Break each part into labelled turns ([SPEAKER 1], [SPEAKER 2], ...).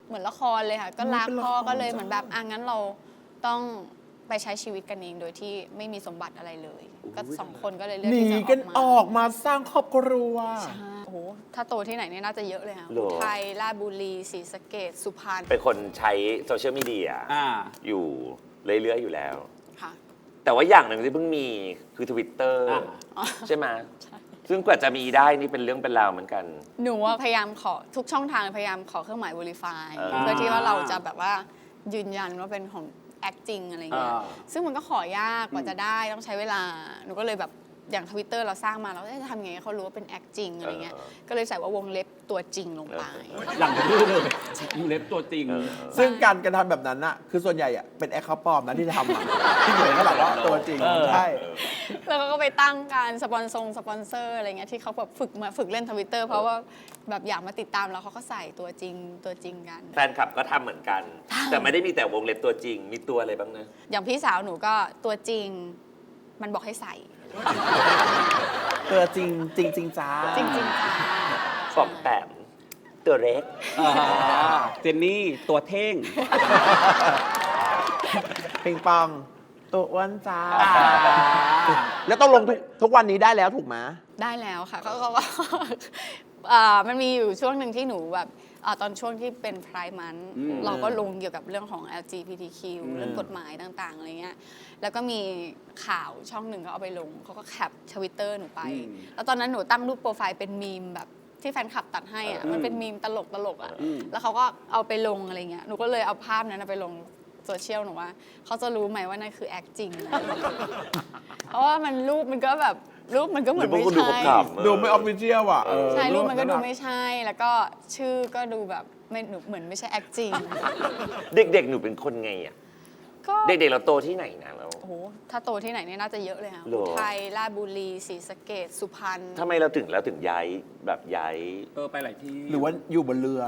[SPEAKER 1] เหมือนละครเลยค่ะก็รักพ่อก็เลยเหมือนแบบงั้นเราต้องไปใช้ชีวิตกันเองโดยที่ไม่มีสมบัติอะไรเลยก็2 คนก็เลยเลือก
[SPEAKER 2] หนี
[SPEAKER 1] ที่จะ
[SPEAKER 2] กันอ
[SPEAKER 1] อ
[SPEAKER 2] อ
[SPEAKER 1] อก
[SPEAKER 2] กมาสร้างครอบครัว
[SPEAKER 1] มาใช่โอ้โหถ้าโตที่ไหนเนี่ยน่าจะเยอะเลยค่ะ
[SPEAKER 3] หรอ
[SPEAKER 1] อุทัยราชบุรีศรีสะเกษสุพรรณ
[SPEAKER 3] เป็นคนใช้โซเชียลมีเดีย อยู่เรื่อยๆอยู่แล้ว
[SPEAKER 1] ค่ะ
[SPEAKER 3] แต่ว่าอย่างหนึ่งที่เพิ่งมีคือ Twitter ใช่ไหมซึ่งกว่าจะมีได้นี่เป็นเรื่องเป็นราวเหมือนกัน
[SPEAKER 1] หนูว่าพยายามขอทุกช่องทางพยายามขอเครื่องหมาย verify
[SPEAKER 3] อ่า
[SPEAKER 1] เพื่อที่ว่าเราจะแบบว่ายืนยันว่าเป็นของ act จริงอะไรเงี้ยซึ่งมันก็ขอยากกว่าจะได้ต้องใช้เวลาหนูก็เลยแบบอย่าง Twitter เราสร้างมาเราจะทำยังไงให้เขารู้ว่าเป็น act จริงอะไรเงี้ยก็เลยใส่ว่าวงเล็บตัวจริงลงไป
[SPEAKER 4] หลังจากนี้เลยอยู่เล็บตัวจริง
[SPEAKER 2] ซึ่งการกระทำแบบนั้นน่ะคือส่วนใหญ่อะเป็นแอคเคาท์ปลอมนะที่ทำอะที่เหมือนเขาแบบว่าตัวจริงใช่
[SPEAKER 1] แล้วก็ไปตั้งการสปอนเซอร์อะไรเงี้ยที่เขาแบบฝึกเล่น Twitter เพราะว่าแบบอยากมาติดตามแล้วเขาก็ใส่ตัวจริงกัน
[SPEAKER 3] แฟนคลับก็ทำเหมือนกัน แต่ไม่ได้มีแต่วงเล็บตัวจริง มีตัวอะไรบ้างนะ
[SPEAKER 1] อย่างพี่สาวหนูก็ตัวจริงมันบอกให้ใส่
[SPEAKER 2] ตัวจริงจริงจ้า
[SPEAKER 1] จริงๆจ้า
[SPEAKER 3] ฟอกแปมตัวเล็ก
[SPEAKER 4] เจนนี่ตัวเท่ง
[SPEAKER 2] ปิงปองตัวอ้วนจ้า แล้วต้องลงทุกวันนี้ได้แล้วถูกไหม
[SPEAKER 1] ได้แล้วค่ะเขาก็ มันมีอยู่ช่วงหนึ่งที่หนูแบบตอนช่วงที่เป็น Pride Month เราก็ลงเกี่ยวกับเรื่องของ LGBTQ เรื่องกฎหมายต่างๆอะไรเงี้ยแล้วก็มีข่าวช่องหนึ่งเขาเอาไปลงเขาก็แคป Twitter หนูไป แล้วตอนนั้นหนูตั้งรูปโปรไฟล์เป็นมีมแบบที่แฟนคลับตัดให้อ่ะมันเป็นมีมตลกอ่ะแล้วเขาก็เอาไปลงอะไรเงี้ยหนูก็เลยเอาภาพนั้นไปลงโซเชียลหนูว่าเขาจะรู้ไหมว่านั่นคือแอคจริง เพราะว่ามันรูปมันก็แบบรูปมันก็เหมือนไม่
[SPEAKER 3] ดู
[SPEAKER 1] ใช่
[SPEAKER 3] ขำๆ
[SPEAKER 2] ดูไม่ออฟฟิเชียลอ่ะ
[SPEAKER 1] ใช่รูปมันก็ดูไม่ใช่ แล้วก็ชื่อก็ดูแบบไม่หนูเหมือนไม่ใช่แอคจริง
[SPEAKER 3] เด็กๆ หนูเป็นคนไงอ่ะ
[SPEAKER 1] ก็
[SPEAKER 3] เด็กๆ เราโตที่ไหนนะเรา
[SPEAKER 1] โอ้โหถ้าโตที่ไหนเนี่ยน่าจะเยอะเลยค่ะ
[SPEAKER 3] หรอ
[SPEAKER 1] อุทัยราชบุรีศรีสะเกษสุพรรณ
[SPEAKER 3] ทำไมเราถึงย้ายแบบย้าย
[SPEAKER 4] ไปหลายที่
[SPEAKER 2] หรือว่าอยู่บนเรือ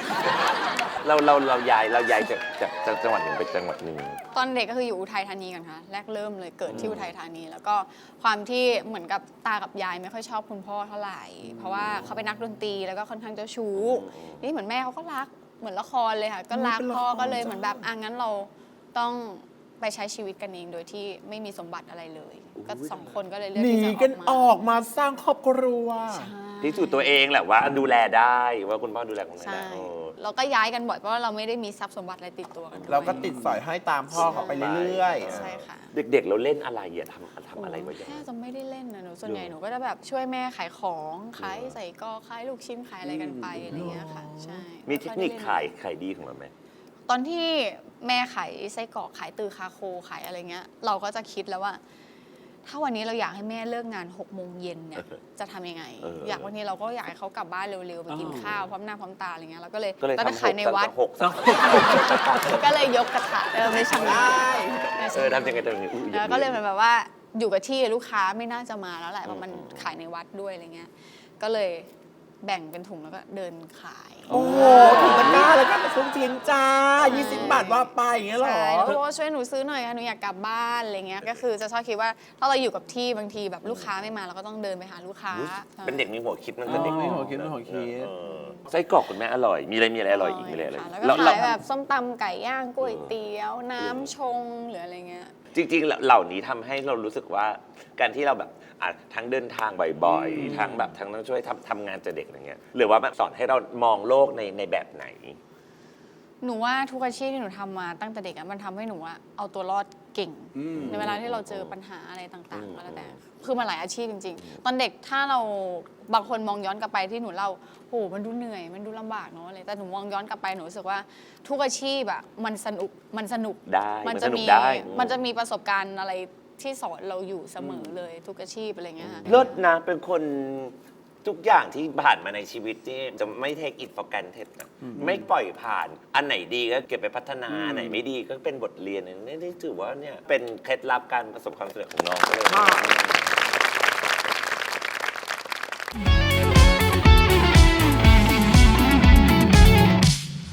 [SPEAKER 3] เราย้ายจากจังหวัดหนึ่งไปจังหวัดหนึ่ง
[SPEAKER 1] ตอนเด็กก็คืออยู่อุทัยธานีกันค่ะแรกเริ่มเลยเกิดที่อุทัยธานี แล้วก็ความที่เหมือนกับตากับยายไม่ค่อยชอบคุณพ่อเท่าไหร่ เพราะว่าเขาเป็นนักดนตรีแล้วก็ค่อนข้างเจ้าชู้นี่เหมือนแม่เขาก็รักเหมือนละครเลยค่ะก็รักพ่อก็เลยเหมือนแบบงั้นเราต้องไปใช้ชีวิตกันเองโดยที่ไม่มีสมบัติอะไรเลยก็2 คนก็เลยเลือก
[SPEAKER 2] หนี
[SPEAKER 1] ที่จะ
[SPEAKER 2] กันอ
[SPEAKER 1] อ
[SPEAKER 2] อ
[SPEAKER 1] อก
[SPEAKER 2] กมาสร้างครอบครัว
[SPEAKER 3] พิสูจน์ตัวเองแหละว่าดูแลได้ว่าคุณพ่อดูแลคุณแม่
[SPEAKER 1] ใช่
[SPEAKER 3] ได้
[SPEAKER 1] เราก็ย้ายกันบ่อยเพราะว่าเราไม่ได้มีทรัพย์สมบัติอะไรติดตัวกันด้วย
[SPEAKER 2] เราก็ติดสอยให้ตามพ่อเขาไปเรื่อย
[SPEAKER 1] ใช่ค่ะ
[SPEAKER 3] เด็กๆ เราเล่นอะไรอะทำอะไรไว้ยัง
[SPEAKER 1] แค่
[SPEAKER 3] ไง
[SPEAKER 1] จะไม่ได้เล่นนะหนูส่วนใหญ่หนูก็จะแบบช่วยแม่ขายของขายใส่กอขายลูกชิ้นขายอะไรกันไปอะไรอย่างเงี้ยค่ะใช่
[SPEAKER 3] มีเทคนิคขายดีของเราไหม
[SPEAKER 1] ตอนที่แม่ขายไส้กรอกขายตือคาโคขายอะไรเงี้ยเราก็จะคิดแล้วว่า ถ้าวันนี้เราอยากให้แม่เลิกงาน6 โมงเย็นเนี่ยจะทำยังไง อยากวันนี้เราก็อยากให้เขากลับบ้านเร็วๆไปกินข้าวพร้อมหน้าพร้อมตาอะไรเงี้ยเราก็เลย
[SPEAKER 3] ก็เลย
[SPEAKER 1] ตอนนั้น
[SPEAKER 3] ทำ
[SPEAKER 1] ขายในวัด
[SPEAKER 3] หก
[SPEAKER 1] ก็เลยยกกระถางไม่ใช่ไม่ใช่
[SPEAKER 3] ทำยังไงอย่างนี้อุ๊ย
[SPEAKER 1] แล้วก็เลยเหมือนแบบว่าอยู่กับที่ลูกค้าไม่น่าจะมาแล้วแหละเพราะมันขายในวัดด้วยอะไรเงี้ยก็เลยแบ่งเป็นถุงแล้วก็เดินขาย
[SPEAKER 2] ๆ โอ้โหถุงตะกร้าแล้วก็เป็นซุ้มเทียนจ้า 20 บาทว่าไปอย่างเงี้ยเหรอ
[SPEAKER 1] ใช่แล้วก็บอกว่าช่วยหนูซื้อหน่อยค่ะหนูอยากกลับบ้านอะไรเงี้ยก็คือจะชอบคิดว่าถ้าเราอยู่กับที่บางทีแบบลูกค้าไม่มาเราก็ต้องเดินไปหาลูกค้า
[SPEAKER 3] เป็นเด็กมีหัวคิดมันเป็นเด็ก
[SPEAKER 2] มีหัวคิดมีหัวคิด
[SPEAKER 3] ไส้กรอกคุณแม่อร่อย มีอะไรอร่อยอีกมีอะไร
[SPEAKER 1] ค่ะแล้ว
[SPEAKER 3] เรา
[SPEAKER 1] ก็ขายแบบส้มตำไก่ย่างก๋วยเตี๋ยวน้ำชงหรืออะไรเงี้ย
[SPEAKER 3] จริงๆ เหล่านี้ทำให้เรารู้สึกว่าการที่เราแบบทั้งเดินทางบ่อยๆทั้งต้องช่วยทำงานจะเด็กอะไรเงี้ยหรือว่าแบบสอนให้เรามองโลกในแบบไหน
[SPEAKER 1] หนูว่าทุกอาชีพที่หนูทำมาตั้งแต่เด็กมันทำให้หนูเอาตัวรอดเก่ง ในเวลาที่เราเจอปัญหาอะไรต่างๆก็แล้วแต่คือมันหลายอาชีพจริงๆ ตอนเด็กถ้าเราบางคนมองย้อนกลับไปที่หนูเล่าโหมันดูเหนื่อยมันดูลำบากเนาะอะไรแต่หนูมองย้อนกลับไปหนูรู้สึกว่าทุกอาชีพมันสนุก
[SPEAKER 3] ได้
[SPEAKER 1] มัน
[SPEAKER 3] มัน
[SPEAKER 1] จะ
[SPEAKER 3] สนุก
[SPEAKER 1] มี
[SPEAKER 3] ได้
[SPEAKER 1] มันจะมีประสบการณ์อะไรที่สอนเราอยู่เสมอเลยทุกอาชีพอะไรเงี้ยค่ะ
[SPEAKER 3] เลิศนะเป็นคนทุกอย่างที่ผ่านมาในชีวิตที่จะไม่ take it for granted นะไม่ปล่อยผ่านอันไหนดีก็เก็บไปพัฒนาอันไหนไม่ดีก็เป็นบทเรียนนี่ถือว่าเนี่ยเป็นเคล็ดลับการประสบความสำเร็จของน้องเลย